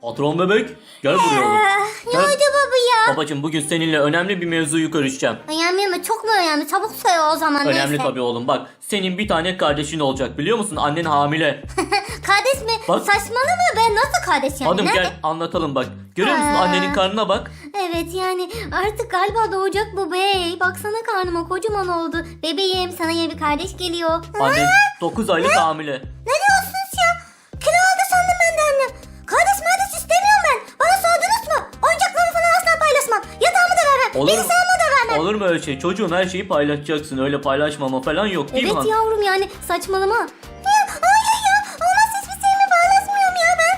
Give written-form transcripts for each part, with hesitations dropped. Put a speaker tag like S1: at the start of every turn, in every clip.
S1: Patron bebek gel buraya oğlum.
S2: Ne
S1: Gel.
S2: oldu baba ya?
S1: Babacım bugün seninle önemli bir mevzuyu görüşeceğim.
S2: Önemli mi? Çok mu önemli? Çabuk söyle o zaman.
S1: Önemli
S2: neyse.
S1: tabii oğlum, bak senin bir tane kardeşin olacak, biliyor musun? Annen hamile.
S2: Kardeş mi?
S1: Bak.
S2: Saçmalama, ben nasıl kardeş yani?
S1: Hanım
S2: Nerede?
S1: gel anlatalım bak. Görüyor musun
S2: Aa.
S1: annenin karnına bak.
S2: Evet yani artık galiba doğacak bu bey. Baksana karnıma kocaman oldu. Bebeğim, sana yeni bir kardeş geliyor.
S1: Annen 9 aylık hamile.
S2: Ne diyorsunuz ya? Kilo aldı sandım ben de annem. Kardeş istemiyorum ben. Bana sordunuz mu? Oyuncaklarımı falan asla paylaşmam. Yatağımı da vermem.
S1: Olur mu?
S2: Bilgisayarımı da vermem.
S1: Olur mu öyle şey? Çocuğun her şeyi paylaşacaksın. Öyle paylaşmama falan yok değil mi
S2: Evet
S1: hanım?
S2: yavrum yani saçmalama. Ya, hayır ya. Olmaz, hiçbir şeyimi paylaşmıyorum ya ben.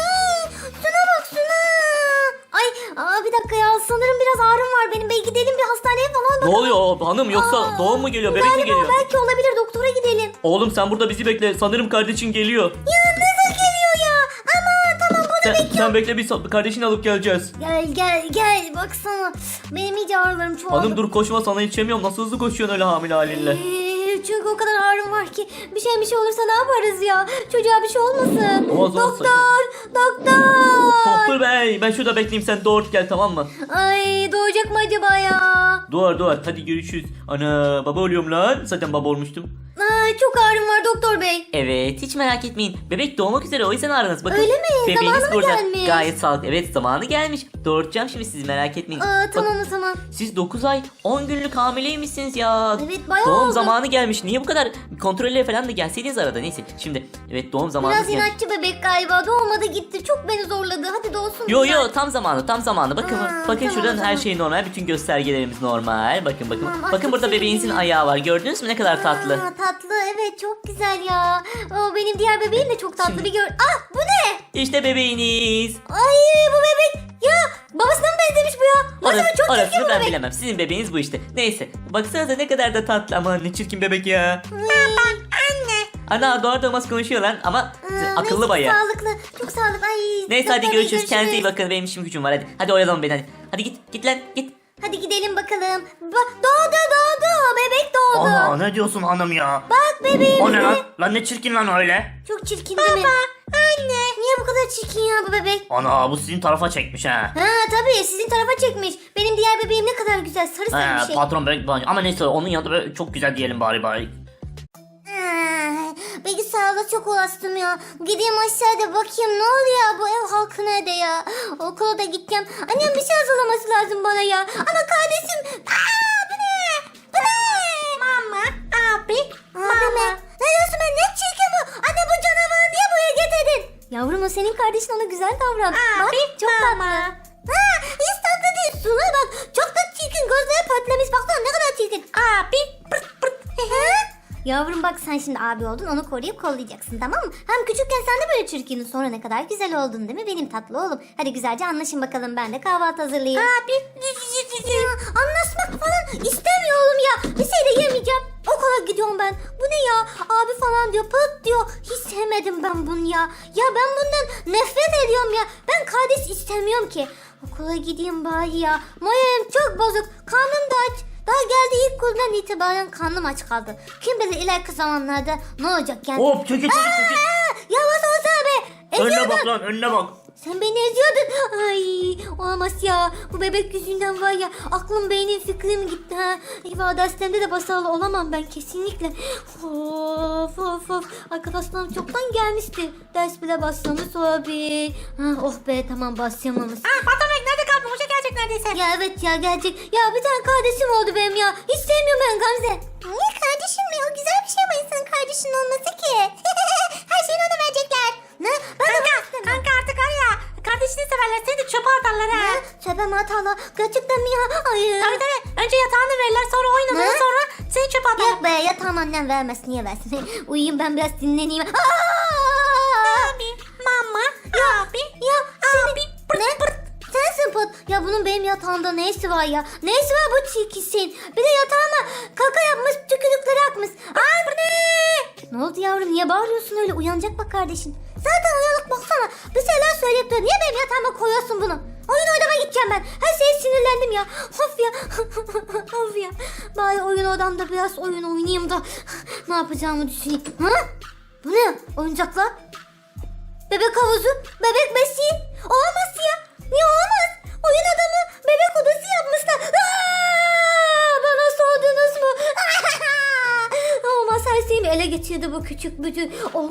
S2: Şuna bak şuna. Ay bir dakika ya, sanırım biraz ağrım var benim. Bey gidelim bir hastaneye falan
S1: Ne
S2: bakalım.
S1: oluyor hanım, yoksa doğum mu geliyor, bebek mi
S2: Galiba
S1: geliyor?
S2: belki olabilir, doktora gidelim.
S1: Oğlum sen burada bizi bekle, sanırım kardeşin geliyor.
S2: Ya nasıl geliyor ya? Ama tamam bunu
S1: Sen bekle, biz kardeşini alıp geleceğiz.
S2: Gel baksana. Benim iyice ağrılarım çoğaldı.
S1: Hanım dur koşma, sana yetişemiyorum. Nasıl hızlı koşuyorsun öyle hamile halinle?
S2: Çünkü o kadar ağrım var ki bir şey olursa ne yaparız ya? Çocuğa bir şey olmasın.
S1: Olmaz,
S2: Doktor.
S1: Doktor bey, ben şurada bekleyeyim, sen doğurt gel, tamam mı?
S2: Ay doğacak mı acaba ya?
S1: Doğar, hadi görüşürüz. Ana baba oluyorum lan, zaten baba olmuştum.
S2: Ay çok ağrım var doktor bey.
S1: Evet, hiç merak etmeyin. Bebek doğmak üzere, o yüzden aranız. Bakın,
S2: Öyle mi?
S1: bebeğiniz
S2: Zamanı mı
S1: burada.
S2: gelmiş?
S1: Gayet sağlıklı. Evet, zamanı gelmiş. Doğurtacağım şimdi, siz merak etmeyin.
S2: Tamam
S1: Bak,
S2: o zaman.
S1: siz 9 ay 10 günlük hamileymişsiniz ya.
S2: Evet, bayağı
S1: Doğum
S2: oldu.
S1: zamanı gelmiş. Niye bu kadar kontrollere falan da gelseydiniz arada, neyse. Şimdi evet, doğum zamanı
S2: Biraz
S1: gelmiş.
S2: inatçı bebek galiba, doğmadı gitti. Çok beni zorladı. Hadi doğsun.
S1: Yo
S2: güzel.
S1: tam zamanı. Bakın
S2: Tamam,
S1: şuradan her
S2: tamam.
S1: şey normal. Bütün göstergelerimiz normal. Bakın.
S2: Tamam,
S1: Bakın
S2: çok
S1: burada
S2: sevindim.
S1: bebeğinizin ayağı var. Gördünüz mü ne kadar tatlı?
S2: Tatlı, evet çok güzel ya. Benim diğer bebeğim de çok tatlı.
S1: Şimdi-
S2: Bir gör. Bu ne?
S1: İşte bebeğiniz.
S2: Ay bu bebek. Ya babasına mı benzemiş bu ya? Masada çok çirkin
S1: Orasını
S2: bu
S1: ben
S2: bebek.
S1: bilemem. Sizin bebeğiniz bu işte. Neyse. Baksanıza ne kadar da tatlı. Aman ne çirkin bebek ya.
S2: Anne.
S1: Ana doğar doğmaz konuşuyor lan ama akıllı
S2: neyse,
S1: bayağı.
S2: Sağlıklı. Çok sağlıklı. Ay.
S1: Neyse hadi
S2: doktor bey,
S1: görüşürüz. Kendinize iyi bakın. Benim işim gücüm var hadi. Hadi oyalanın beni hadi. Hadi git lan git.
S2: Hadi gidelim bakalım. Doğdu. Bebek doğdu.
S1: Aa, ne diyorsun hanım ya?
S2: Bak bebeğim.
S1: O ne lan? Lan ne çirkin lan öyle?
S2: Çok çirkin değil mi? Anne. Niye bu kadar çirkin ya bu bebek?
S1: Ana bu sizin tarafa çekmiş ha.
S2: Tabii sizin tarafa çekmiş. Benim diğer bebeğim ne kadar güzel. Sarı sarı bir şey.
S1: Patron bebek ama neyse onun yanında böyle çok güzel diyelim bari.
S2: Bilgisayarda çok uğraştım ya. Gideyim aşağıda bakayım ne oluyor, bu ev halkı nerede ya? Okula da gideceğim. Annem bir şey hazırlaması lazım bana ya. Ama kardeşim. Bu ne? Bu ne? Mama. Abi mi? Ne diyorsun ben? Ne çirkin bu? Anne bu canavarı niye buraya getirdin? Yavrum o senin kardeşin, ona güzel davran. Bak çok tatlı. Hiç tatlı değil. Suna bak. Çok da çirkin. Gözleri patlamış. Baksana ne kadar çirkin. Abi. Yavrum bak, sen şimdi abi oldun, onu koruyup kollayacaksın, tamam mı? Hem küçükken sen de böyle çirkindin, sonra ne kadar güzel oldun değil mi benim tatlı oğlum? Hadi güzelce anlaşın bakalım, ben de kahvaltı hazırlayayım. Abi anlaşmak falan istemiyorum ya. Bir şey de yemeyeceğim. Okula gidiyorum ben. Bu ne ya? Abi falan diyor, pıt diyor. Hiç sevmedim ben bunu ya. Ya ben bundan nefret ediyorum ya. Ben kardeş istemiyorum ki. Okula gideyim bari ya. Moralim çok bozuk. Karnım da aç. Daha geldi ilk günden itibaren karnım aç kaldı. Kim bilir ileriki zamanlarda ne olacak yani.
S1: Hop çekil.
S2: Yavaş olsana be.
S1: Önüne bak lan, önüne bak.
S2: Sen beni eziyordun. Ay olamaz ya. Bu bebek yüzünden var ya, aklım beynim fikrim gitti ha. İfade hastanemde de başarılı olamam ben kesinlikle. Of. Arkadaşlarım çoktan gelmişti. Ders bile başlamış olabilir. Oh be tamam, başlamamış.
S3: Patron nerede kaldın? Hoca gelecek neredeyse.
S2: Ya evet ya, gelecek. Ya bir tane kardeşim oldu benim ya. Hiç sevmiyorum ben Gamze. Niye kardeşim mi? O güzel bir şey ama insanın kardeşinin olması ki. Her şeyini ona verecekler. Ne? Ben
S3: Kanka artık var ya, kardeşini severler, seni de çöpe atarlar ha.
S2: Çöpe mi atarlar? Gerçekten mi ya? Hayır.
S3: Tabii. Önce yatağını verirler, sonra oynanır,
S2: Ne?
S3: sonra seni çöpe atarlar.
S2: Yok be, yatağım annem vermez. Niye versin? Uyuyayım ben biraz, dinleneyim.
S3: Abi, mama, abi.
S2: Ya abi. Ne? Sensin Pat. Ya bunun benim yatağımda neyisi var ya? Neyisi var bu çirkisin? Bir de yatağıma kaka yapmış, tükürükleri akmış. Anne! Ne oldu yavrum? Niye bağırıyorsun öyle? Uyanacak bak kardeşin. Zaten uyanık, baksana. Bir şeyler söyleyip duruyor. Niye benim yatağıma koyuyorsun bunu? Oyun oynamaya gideceğim ben. Her şeye sinirlendim ya. Of ya. Of ya. Bari oyun odamda biraz oyun oynayayım da ne yapacağımı düşüneyim. Bu ne? Oyuncaklar? Bebek havuzu, bebek besiği. başladı bu küçük bütün.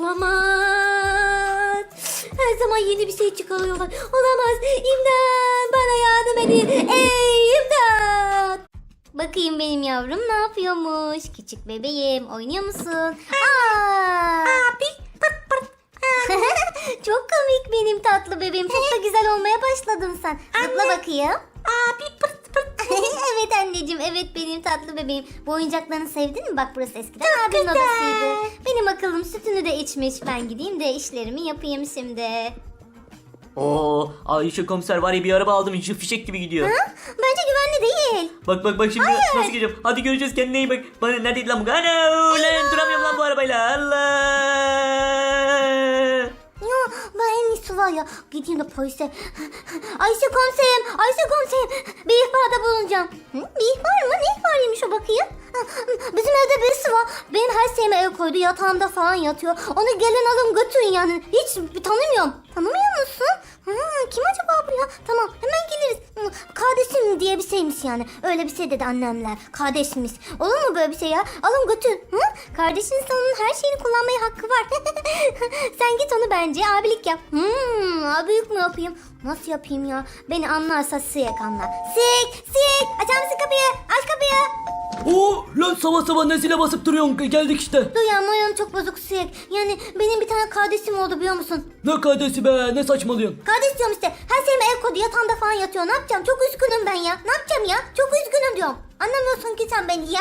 S2: Olamaz. Her zaman yeni bir şey çıkarıyorlar. Olamaz. İmdat. Bana yardım edin. Ey imdat. Bakayım benim yavrum ne yapıyormuş. Küçük bebeğim oynuyor musun?
S3: Abi pırt pırt.
S2: Çok komik benim tatlı bebeğim. Çok da güzel olmaya başladın sen. Zıpla bakayım.
S3: Abi pırt pırt.
S2: Evet anneciğim, evet benim tatlı bebeğim. Bu oyuncaklarını sevdin mi? Bak burası eskiden abinin odasıydı. Benim akıllım sütünü de içmiş. Ben gideyim de işlerimi yapayım şimdi.
S1: Oo, Ayşe komiser var ya, bir araba aldım, içi fişek gibi gidiyor.
S2: Bence güvenli değil.
S1: Bak şimdi nasıl gireceğim. Hadi göreceğiz, kendine iyi bak. Bana neredeydi lan bu? Ana lan, duramıyorum lan bu arabayla. Allah.
S2: Ya ben en iyisi var ya. Gideyim de polise. Ayşe komiserim. Bir ihbarda bulunacağım. Bir ihbar mı? Ne ihbarıymış o bakayım? Bizim evde birisi var. Benim her şeyime el koydu. Yatağımda falan yatıyor. Onu gelin alın götürün yani. Hiç tanımıyorum. Tanımıyor musun? Kim acaba bu ya? Tamam hemen geliriz. Kardeşim diye bir şeymiş yani. Öyle bir şey dedi annemler. Kardeşmiş. Olur mu böyle bir şey ya? Alın götür. Kardeşin onun her şeyini kullanmaya hakkı var. Sen git onu bence abilik yap. Abilik mi yapayım? Nasıl yapayım ya? Beni anlarsa Siyek anlar. Siyek! Açar mısın kapıyı? Aç kapıyı.
S4: Oo lan sabah nesile basıp duruyorsun, geldik işte.
S2: Duyan çok bozuk Siyek. Yani benim bir tane kardeşim oldu biliyor musun?
S4: Ne kardeşi be, ne saçmalıyorsun?
S2: Kardeş diyorum işte. Her şeyime el koydu. Yatağımda falan yatıyor. Ne yapacağım? Çok üzgünüm ben ya. Ne yapacağım ya? Çok üzgünüm diyorum. Anlamıyorsun ki sen beni ya.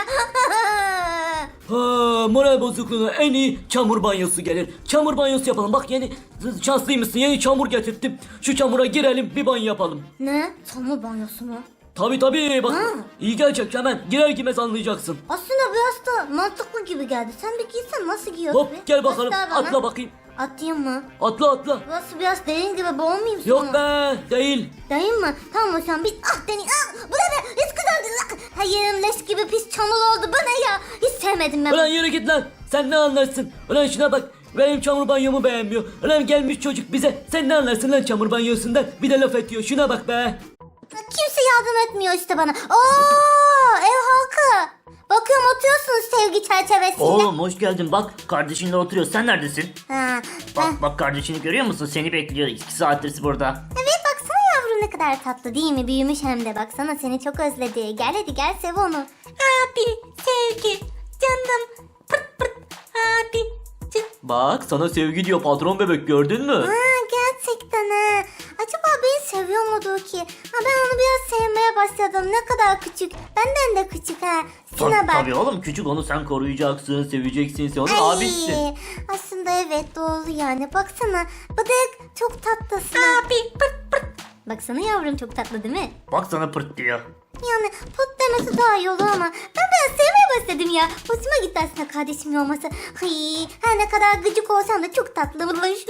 S4: Ha, moral bozukluğuna en iyi çamur banyosu gelir. Çamur banyosu yapalım. Bak yeni şanslıymışsın, yeni çamur getirttim. Şu çamura girelim, bir banyo yapalım.
S2: Ne? Çamur banyosu mu?
S4: Tabii bak,
S2: Ha.
S4: iyi gelecek, hemen girer girmez anlayacaksın.
S2: Aslında biraz da mantıklı gibi geldi. Sen bir giysen nasıl giyiyorsun?
S4: Hop gel bakalım,
S2: Göster bana.
S4: atla bakayım.
S2: Atlayayım mı?
S4: Atla.
S2: Burası biraz derin gibi, boğulmayayım sonra.
S4: Yok be, değil.
S2: Değil mi? Tamam o zaman biz deneyim. Bu ne? Hiç güzel değil. Hayır leş gibi pis çamur oldu. Bu ne ya? Hiç sevmedim ben.
S4: Ulan yürü git lan, sen ne anlarsın? Ulan şuna bak, benim çamur banyomu beğenmiyor. Ulan gelmiş çocuk bize, sen ne anlarsın lan çamur banyosundan? Bir de laf ediyor, şuna bak be.
S2: Kimse yardım etmiyor işte bana. Oo, ev halkı. Bakıyorum oturuyorsunuz sevgi çerçevesinde.
S1: Oğlum hoş geldin, bak kardeşinle oturuyor. Sen neredesin?
S2: Ha,
S1: Bak kardeşini görüyor musun? Seni bekliyor, 2 saattir burada.
S2: evet baksana yavrum ne kadar tatlı değil mi? Büyümüş hem de baksana seni çok özledi. Gel hadi gel sev onu.
S3: Abi sevgi canım pırt pırt. Abi
S1: Bak sana sevgi diyor patron bebek, gördün mü?
S2: Ha, gerçekten ha. Acaba beni seviyor mudur ki? Ha, ben onu biraz sevmeye başladım. Ne kadar küçük. Benden de küçük ha. Şuna bak.
S1: Tabii oğlum, küçük, onu sen koruyacaksın, seveceksin, sen onun
S2: Ay,
S1: abisisin.
S2: aslında evet doğru yani. Baksana bıdık çok tatlısın.
S3: abi pırt pırt.
S2: Baksana yavrum çok tatlı değil mi?
S1: Bak sana pırt diyor.
S2: Yani put demesi daha iyi olur ama ben biraz sevmeye başladım ya. Hoşuma gitti aslında kardeşimin olması. Ay, her ne kadar gıcık olsam da çok tatlıymış.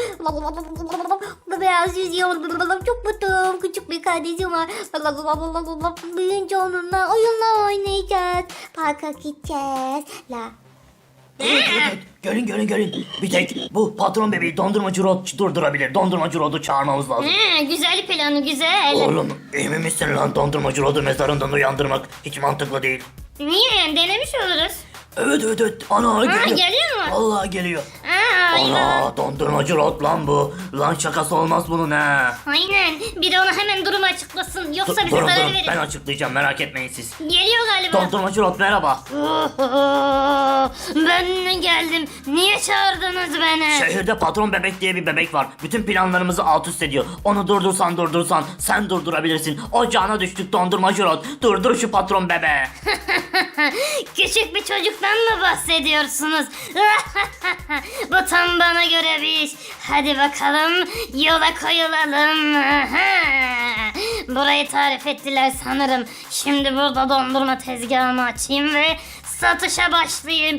S2: Biraz yüzüyor. Çok mutluyum. Küçük bir kardeşim var. Büyüyünce onunla oyunlar oynayacağız. Parka gideceğiz.
S1: Evet, gelin. Bir tek bu patron bebeği dondurmacı Rod durdurabilir. Dondurmacı Rod'u çağırmamız lazım.
S2: Güzel planı güzel.
S1: Oğlum emin misin lan, dondurmacı Rod'u mezarından uyandırmak hiç mantıklı değil.
S2: Niye? Denemiş oluruz.
S1: Evet. Ana geliyor.
S2: geliyor mu?
S1: Vallahi geliyor. Ana dondurmacı Rod lan bu. Lan şakası olmaz bunun ha.
S2: Aynen. Bir de ona hemen durumu açıklasın. Yoksa
S1: Durun ben açıklayacağım, merak etmeyin siz.
S2: Geliyor galiba.
S1: Dondurmacı Rod merhaba.
S2: Ben geldim. Niye çağırdınız beni?
S1: Şehirde patron bebek diye bir bebek var. Bütün planlarımızı alt üst ediyor. Onu durdursan sen durdurabilirsin. Ocağına düştük dondurmacı Rod. Durdur şu patron bebeği.
S2: Küçük bir çocuktan mı bahsediyorsunuz? Bu tam bana göre bir iş. Hadi bakalım yola koyulalım. Burayı tarif ettiler sanırım. Şimdi burada dondurma tezgahımı açayım ve satışa başlayayım.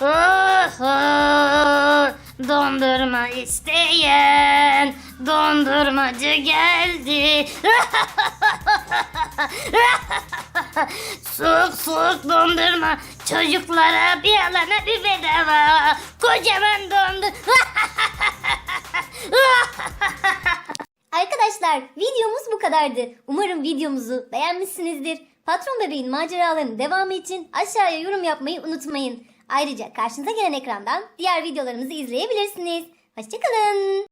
S2: Dondurma isteyen dondurmacı geldi. Soğuk dondurma çocuklara bir alana bir bedava. Kocaman dondurma. Arkadaşlar videomuz bu kadardı. Umarım videomuzu beğenmişsinizdir. Patron bebeğin maceralarının devamı için aşağıya yorum yapmayı unutmayın. Ayrıca karşınıza gelen ekrandan diğer videolarımızı izleyebilirsiniz. Hoşçakalın.